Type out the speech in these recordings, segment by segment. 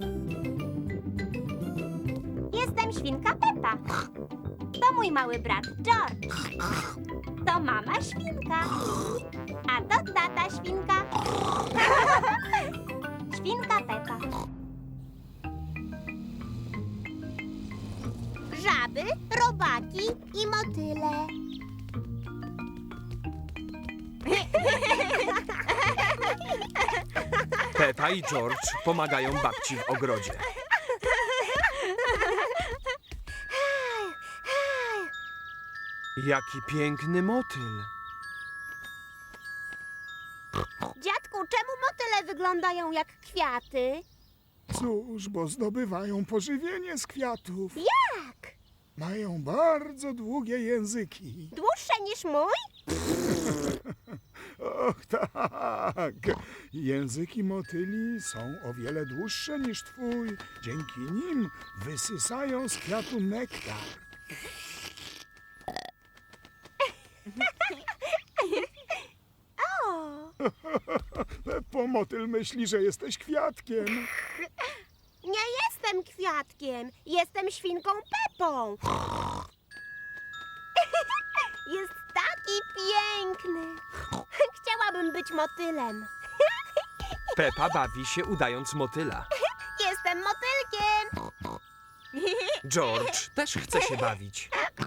Jestem świnka Pepa. To mój mały brat George. To mama świnka. A to tata świnka. Świnka Pepa. Żaby, robaki i motyle. Pepa i George pomagają babci w ogrodzie. Jaki piękny motyl. Dziadku, czemu motyle wyglądają jak kwiaty? Cóż, bo zdobywają pożywienie z kwiatów. Jak? Mają bardzo długie języki. Dłuższe niż mój? Och, tak. Języki motyli są o wiele dłuższe niż twój. Dzięki nim wysysają z kwiatu nektar. O, Peppo, motyl myśli, że jesteś kwiatkiem. nie jestem kwiatkiem. Jestem świnką Pepą. Jest taki piękny. Chciałabym być motylem. Pepa bawi się udając motyla. Jestem motylkiem. George też chce się bawić.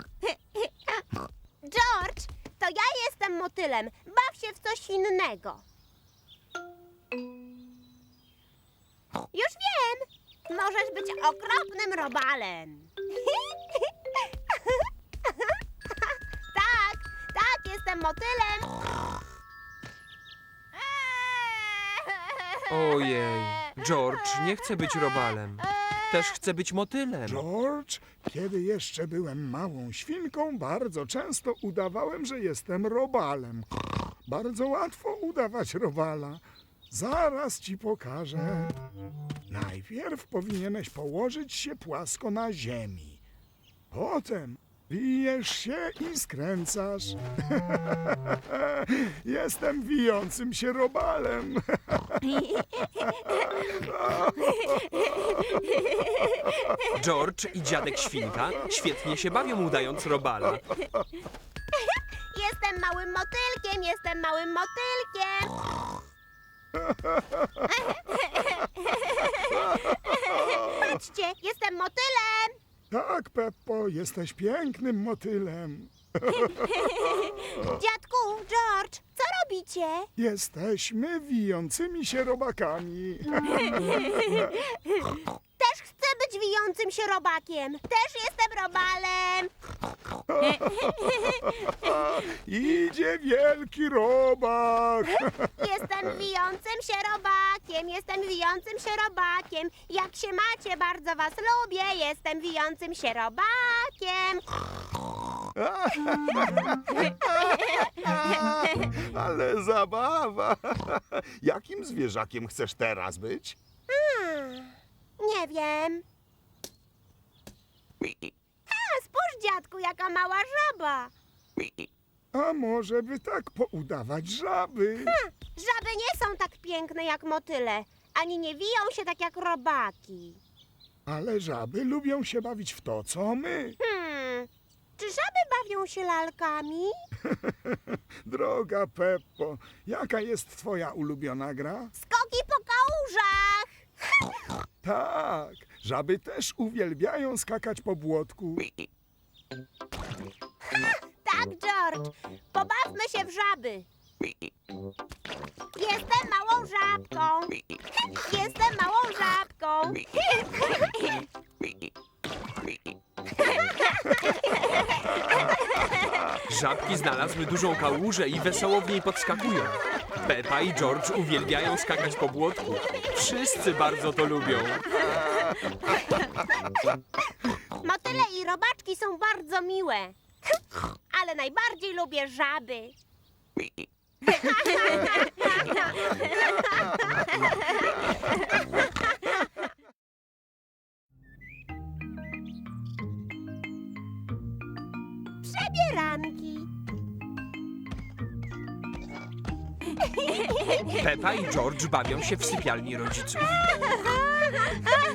George, to ja jestem motylem. Baw się w coś innego. Już wiem. Możesz być okropnym robalem. Tak, jestem motylem. Ojej, George nie chce być robalem. Też chce być motylem. George, kiedy jeszcze byłem małą świnką, bardzo często udawałem, że jestem robalem. Bardzo łatwo udawać robala. Zaraz ci pokażę. Najpierw powinieneś położyć się płasko na ziemi. Potem wijesz się i skręcasz. Jestem wijącym się robalem. George i dziadek świnka świetnie się bawią udając robala. Jestem małym motylkiem, jestem małym motylkiem. Patrzcie, jestem motylem. Tak, Peppo, jesteś pięknym motylem. Dziadku, George, co robicie? Jesteśmy wijącymi się robakami. Też chcę być wijącym się robakiem. Też jestem robalem. Idzie wielki robak. Jestem wijącym się robakiem. Jestem wijącym się robakiem. Jak się macie, bardzo was lubię. Jestem wijącym się robakiem. Ale zabawa! Jakim zwierzakiem chcesz teraz być? Nie wiem. Spójrz, dziadku, jaka mała żaba. A może by tak poudawać żaby? Żaby nie są tak piękne jak motyle. Ani nie wiją się tak jak robaki. Ale żaby lubią się bawić w to, co my. Czy żaby bawią się lalkami? Droga Peppo, jaka jest twoja ulubiona gra? Skoki po kałużach. Tak, żaby też uwielbiają skakać po błotku. Tak, George. Pobawmy się w żaby. Jestem małą żabką. Jestem małą żabką. Żabki znalazły dużą kałużę i wesoło w niej podskakują. Pepa i George uwielbiają skakać po błotku. Wszyscy bardzo to lubią. Motyle i robaczki są bardzo miłe. Ale najbardziej lubię żaby. Przebieranki. Pepa i George bawią się w sypialni rodziców.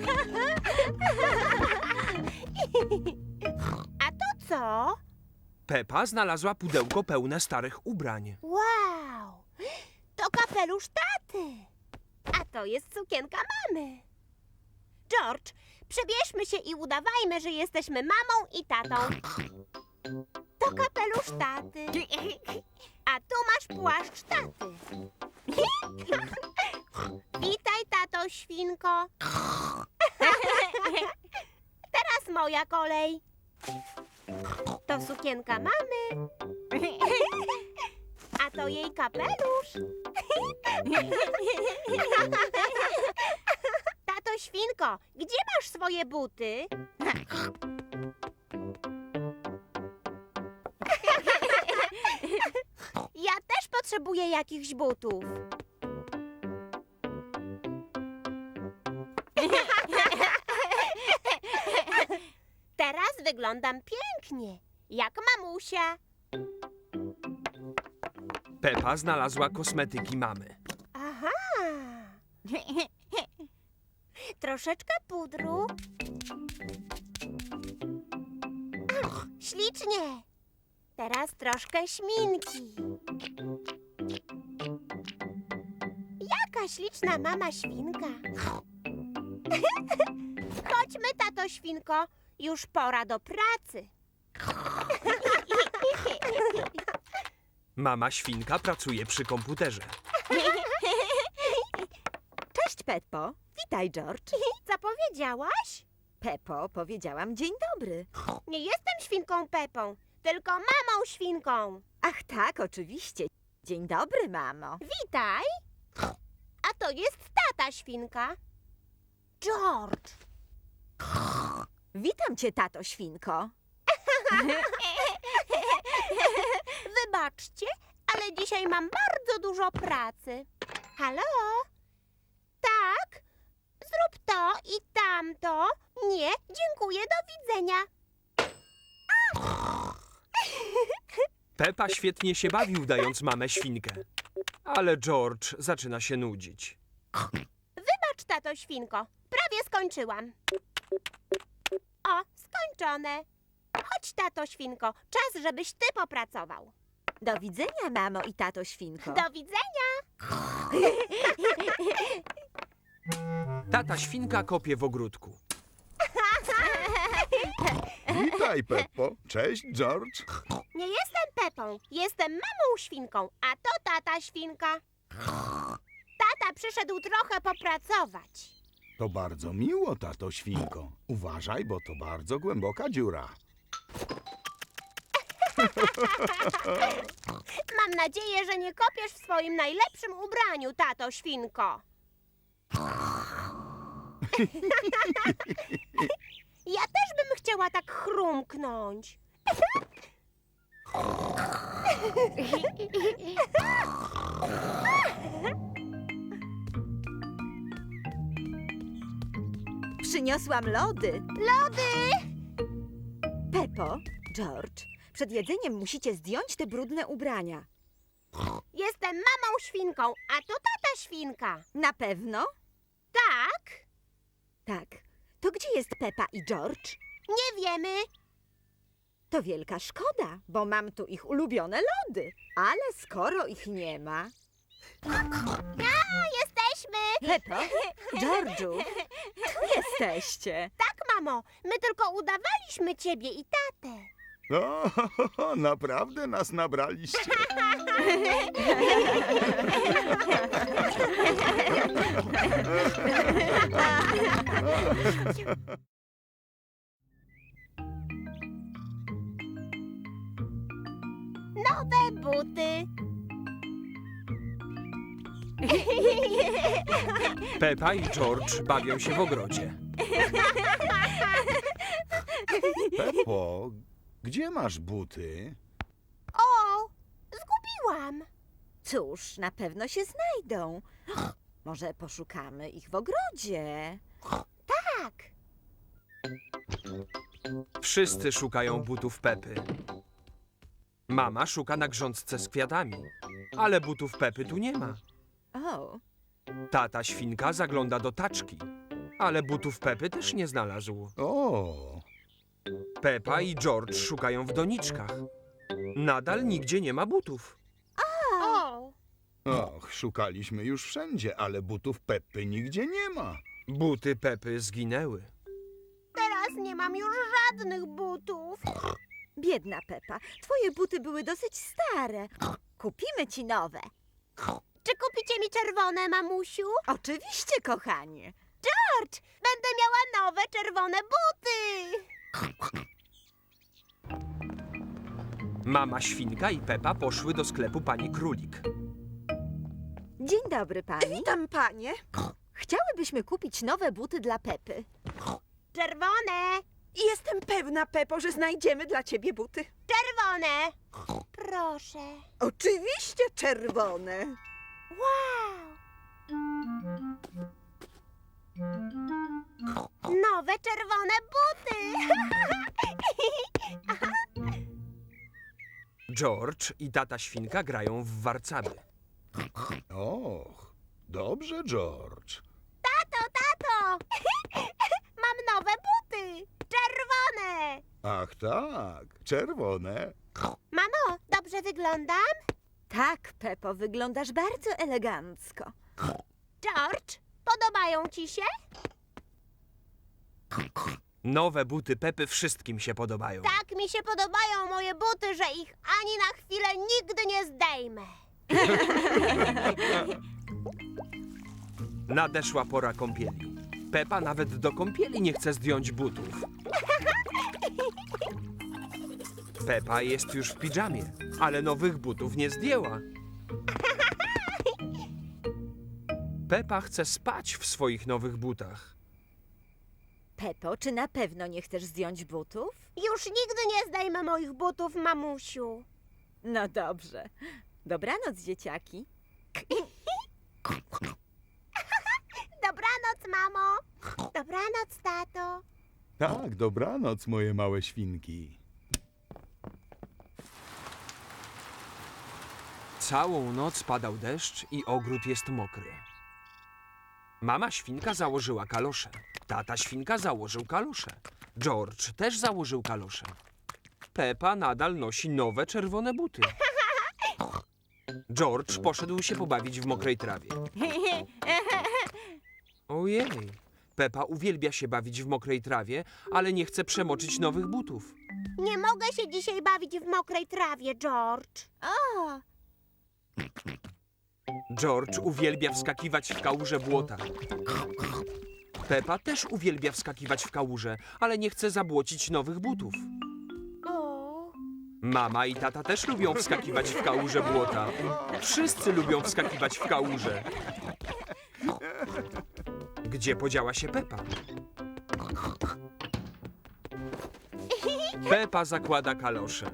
Pepa znalazła pudełko pełne starych ubrań. Wow! To kapelusz taty. A to jest sukienka mamy. George, przebierzmy się i udawajmy, że jesteśmy mamą i tatą. To kapelusz taty. A tu masz płaszcz taty. Witaj, tato świnko. Teraz moja kolej. To sukienka mamy. A to jej kapelusz. Tato świnko, gdzie masz swoje buty? Ja też potrzebuję jakichś butów. Teraz wyglądam pięknie, jak mamusia. Pepa znalazła kosmetyki mamy. Aha. Troszeczkę pudru. Ach, ślicznie. Teraz troszkę śminki. Jaka śliczna mama świnka. Chodźmy, tato świnko. Już pora do pracy. Mama świnka pracuje przy komputerze. Cześć, Peppo. Witaj, George. Co powiedziałaś? Peppo, powiedziałam dzień dobry. Nie jestem świnką Pepą, tylko mamą świnką. Ach tak, oczywiście. Dzień dobry, mamo. Witaj. A to jest tata świnka. George. Witam cię, tato świnko. Wybaczcie, ale dzisiaj mam bardzo dużo pracy. Halo? Tak? Zrób to i tamto. Nie, dziękuję, do widzenia. Pepa świetnie się bawi, udając mamę świnkę. Ale George zaczyna się nudzić. Wybacz, tato świnko. Prawie skończyłam. O, skończone. Chodź, tato świnko. Czas, żebyś ty popracował. Do widzenia, mamo i tato świnko. Do widzenia. Tata świnka kopie w ogródku. Witaj, Peppo. Cześć, George. Nie jestem Pepą, jestem mamą świnką, a to tata świnka. Tata przyszedł trochę popracować. To bardzo miło, tato świnko. Uważaj, bo to bardzo głęboka dziura. Mam nadzieję, że nie kopiesz w swoim najlepszym ubraniu, tato świnko. Ja też bym chciała tak chrumknąć. Przyniosłam lody. Lody! Peppo, George, przed jedzeniem musicie zdjąć te brudne ubrania. Jestem mamą świnką, a to tata świnka. Na pewno? Tak? Tak. To gdzie jest Peppa i George? Nie wiemy. To wielka szkoda, bo mam tu ich ulubione lody. Ale skoro ich nie ma... Jesteśmy. Peppo, George'u, tu jesteście. Tak, mamo, my tylko udawaliśmy ciebie i tatę. O, naprawdę nas nabraliście. Nowe buty. Pepa i George bawią się w ogrodzie. Peppo, gdzie masz buty? O, zgubiłam. Cóż, na pewno się znajdą. Może poszukamy ich w ogrodzie. Tak. Wszyscy szukają butów Pepy. Mama szuka na grządce z kwiatami, ale butów Pepy tu nie ma. O, Tata świnka zagląda do taczki, ale butów Pepy też nie znalazł. O, Pepa i George szukają w doniczkach, Nadal nigdzie nie ma butów. O! Och, szukaliśmy już wszędzie, ale butów Peppy nigdzie nie ma. Buty Pepy zginęły. Teraz nie mam już żadnych butów. Biedna Pepa, twoje buty były dosyć stare. Kupimy ci nowe. Czy kupicie mi czerwone, mamusiu? Oczywiście, kochanie. George, będę miała nowe czerwone buty. Mama Świnka i Pepa poszły do sklepu pani Królik. Dzień dobry, pani. Witam, panie. Chciałybyśmy kupić nowe buty dla Pepy. Czerwone, Jestem pewna, Pepo, że znajdziemy dla ciebie buty. czerwone. Proszę. Oczywiście czerwone. Wow. Nowe czerwone buty. George i tata Świnka grają w warcaby. Och, dobrze, George. Tato. Mam nowe buty. Czerwone. Ach tak, czerwone. Mamo, dobrze wyglądam? Tak, Pepo, wyglądasz bardzo elegancko. George, podobają ci się? Nowe buty Pepy wszystkim się podobają. Tak mi się podobają moje buty, że ich ani na chwilę nigdy nie zdejmę. Nadeszła pora kąpieli. Pepa nawet do kąpieli nie chce zdjąć butów. Pepa jest już w piżamie, ale nowych butów nie zdjęła. Pepa chce spać w swoich nowych butach. Pepo, czy na pewno nie chcesz zdjąć butów? Już nigdy nie zdejmę moich butów, mamusiu. No dobrze. Dobranoc, dzieciaki. Dobranoc, mamo. Dobranoc, tato. Tak, dobranoc, moje małe świnki. Całą noc padał deszcz i ogród jest mokry. Mama Świnka założyła kalosze. Tata Świnka założył kalosze. George też założył kalosze. Pepa nadal nosi nowe czerwone buty. George poszedł się pobawić w mokrej trawie. Ojej, Pepa uwielbia się bawić w mokrej trawie, ale nie chce przemoczyć nowych butów. Nie mogę się dzisiaj bawić w mokrej trawie, George. O, George uwielbia wskakiwać w kałuże błota. Pepa też uwielbia wskakiwać w kałuże, ale nie chce zabłocić nowych butów. o. Mama i tata też lubią wskakiwać w kałuże błota. Wszyscy lubią wskakiwać w kałuże. Gdzie podziała się Pepa? Pepa zakłada kalosze.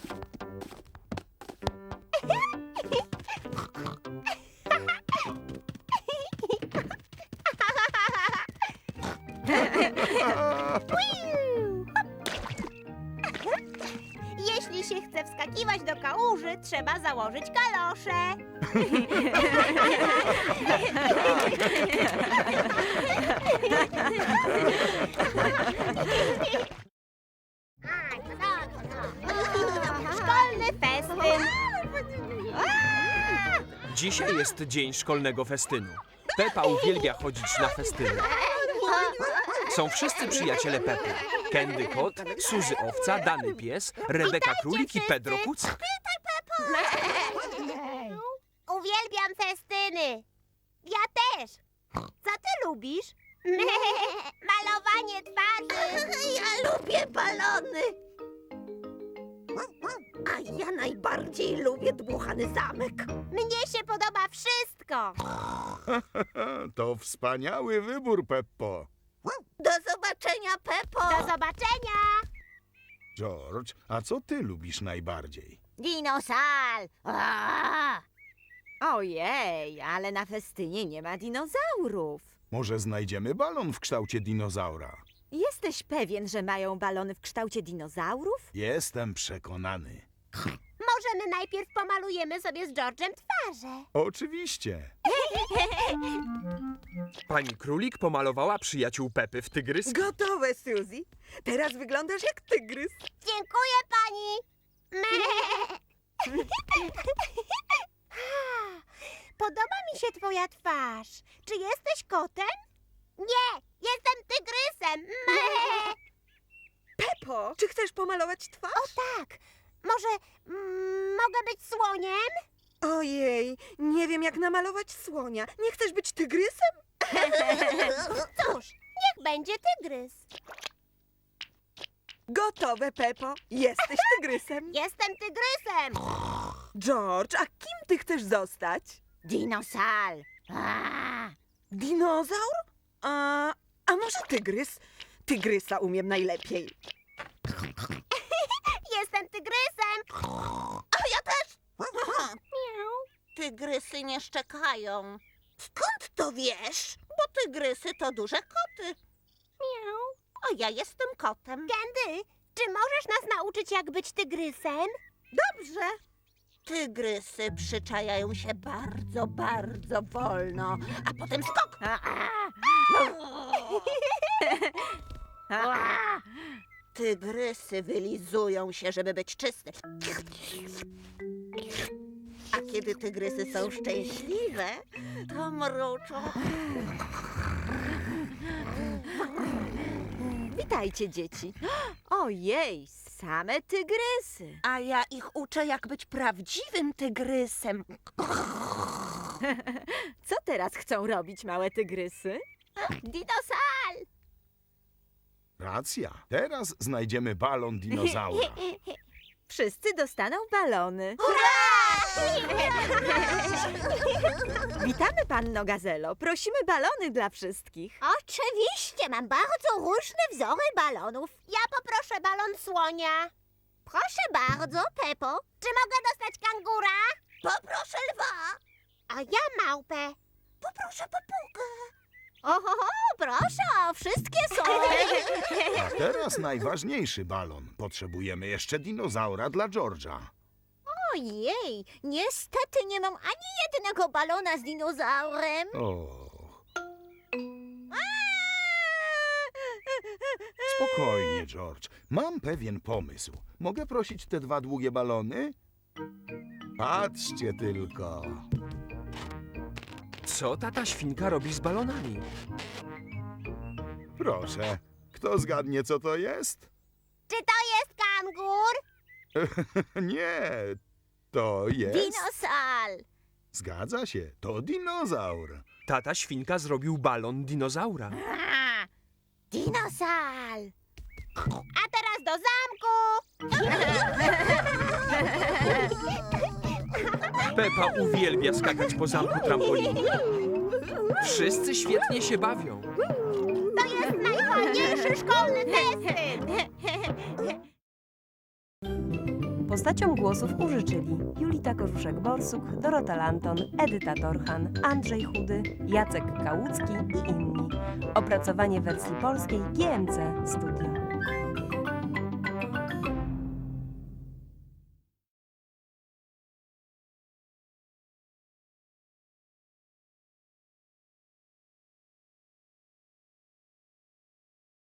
Jeśli się chce wskakiwać do kałuży, trzeba założyć kalosze. Szkolny festyn. Dzisiaj jest dzień szkolnego festynu. Pepa uwielbia chodzić na festyny. Są wszyscy przyjaciele Pepy. Candy Kot, Suzy Owca, Dany Pies, Rebeka Królik i Pedro Kucek. Uwielbiam festyny. Ja też. Co ty lubisz? Malowanie twarzy. Ja lubię balony. A ja najbardziej lubię dmuchany zamek. Mnie się podoba wszystko. To wspaniały wybór, Peppo. Do zobaczenia, Pepo. Do zobaczenia. George, a co ty lubisz najbardziej? Dinosal. Ojej, ale na festynie nie ma dinozaurów. Może znajdziemy balon w kształcie dinozaura? Jesteś pewien, że mają balony w kształcie dinozaurów? Jestem przekonany. Możemy najpierw pomalujemy sobie z George'em twarze. Oczywiście. Pani Królik pomalowała przyjaciół Pepy w tygryskę. Gotowe, Suzy. Teraz wyglądasz jak tygrys. Dziękuję pani. Podoba mi się twoja twarz. Czy jesteś kotem? Nie, jestem tygrysem. Pepo, czy chcesz pomalować twarz? Tak, może mogę być słoniem? Ojej, nie wiem jak namalować słonia. Nie chcesz być tygrysem? Cóż, niech będzie tygrys. Gotowe, Pepo. Jesteś tygrysem. Jestem tygrysem. George, a kim ty chcesz zostać? Dinosal. Dinozaur? A może tygrys? Tygrysa umiem najlepiej. Jestem tygrysem. A ja też. Tygrysy nie szczekają. Skąd to wiesz? Bo tygrysy to duże koty. A ja jestem kotem. Candy, czy możesz nas nauczyć, jak być tygrysem? Dobrze. Tygrysy przyczajają się bardzo, bardzo wolno, a potem skok. Tygrysy wylizują się, żeby być czyste. A kiedy tygrysy są szczęśliwe, to mruczą. Witajcie, dzieci. Ojej, same tygrysy. A ja ich uczę, jak być prawdziwym tygrysem. Co teraz chcą robić małe tygrysy? Dinosal! Racja. Teraz znajdziemy balon dinozaura. Wszyscy dostaną balony. Witamy, panno Gazelo. Prosimy balony dla wszystkich. Oczywiście, mam bardzo różne wzory balonów. Ja poproszę balon słonia. Proszę bardzo, Pepo. Czy mogę dostać kangura? Poproszę lwa. A ja małpę. Poproszę papugę. Oho, proszę, wszystkie są. A teraz najważniejszy balon. Potrzebujemy jeszcze dinozaura dla George'a. Ojej, niestety nie mam ani jednego balona z dinozaurem. O. Spokojnie, George. Mam pewien pomysł. Mogę prosić te dwa długie balony? Patrzcie tylko. Co tata świnka robi z balonami? Proszę. Kto zgadnie, co to jest? Czy to jest kangur? Nie, to jest... Dinosal. Zgadza się, to dinozaur. Tata świnka zrobił balon dinozaura. Dinosal. A teraz do zamku. Pepa uwielbia skakać po zamku trampoliny. Wszyscy świetnie się bawią. To jest najfajniejszy szkolny festyn. Postaciom głosów użyczyli Julita Korzuszek-Borsuk, Dorota Lanton, Edyta Torchan, Andrzej Chudy, Jacek Kałucki i inni. Opracowanie wersji polskiej GMC Studio.